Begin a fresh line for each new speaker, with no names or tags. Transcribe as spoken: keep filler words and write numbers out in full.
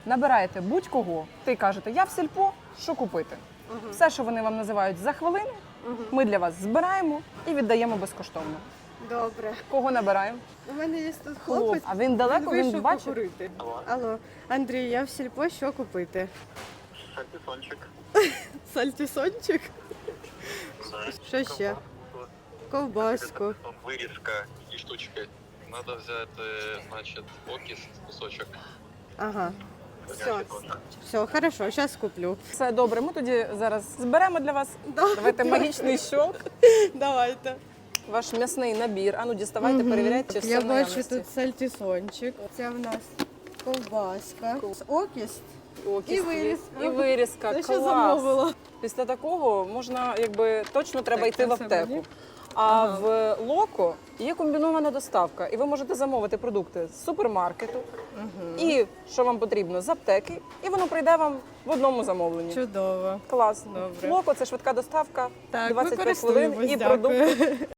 Набираєте будь-кого, ти кажете, я в сільпо, що купити. Угу. Все, що вони вам називають за хвилину, угу. ми для вас збираємо і віддаємо безкоштовно.
Добре.
Кого набираємо?
У мене є тут хлопець.
А він далеко, він, він бачить?
Покурити. Алло. Алло. Андрій, я в сільпо, що купити?
Сальтисончик.
Сальтисончик? Що ще? Ковбаску.
Вирізка і штучки. Надо взяти, значить, окіс, кусочок.
Ага. Все, все, хорошо, зараз куплю.
Все добре, ми тоді зараз зберемо для вас.
Да.
Давайте магічний щелк.
Давайте.
Ваш м'ясний набір. Ану, діставайте,
Угу.
перевіряйте, чи все
Я
в
бачу
наявності.
тут сальтисончик. Це в нас ковбаска, окіс
Окіс,
і вирізка.
І вирізка.
Це
Клас.
що замовила.
Після такого можна, якби, точно треба
Так,
йти в
це все
аптеку.
мені?
А
Ага.
в Локо є комбінована доставка, і ви можете замовити продукти з супермаркету,
Угу.
і що вам потрібно з аптеки, і воно прийде вам в одному замовленні.
Чудово.
Класно.
Добре.
Локо це швидка доставка,
Так,
двадцять
ми
п'ять хвилин і
користуємось,
продукти.
дякую.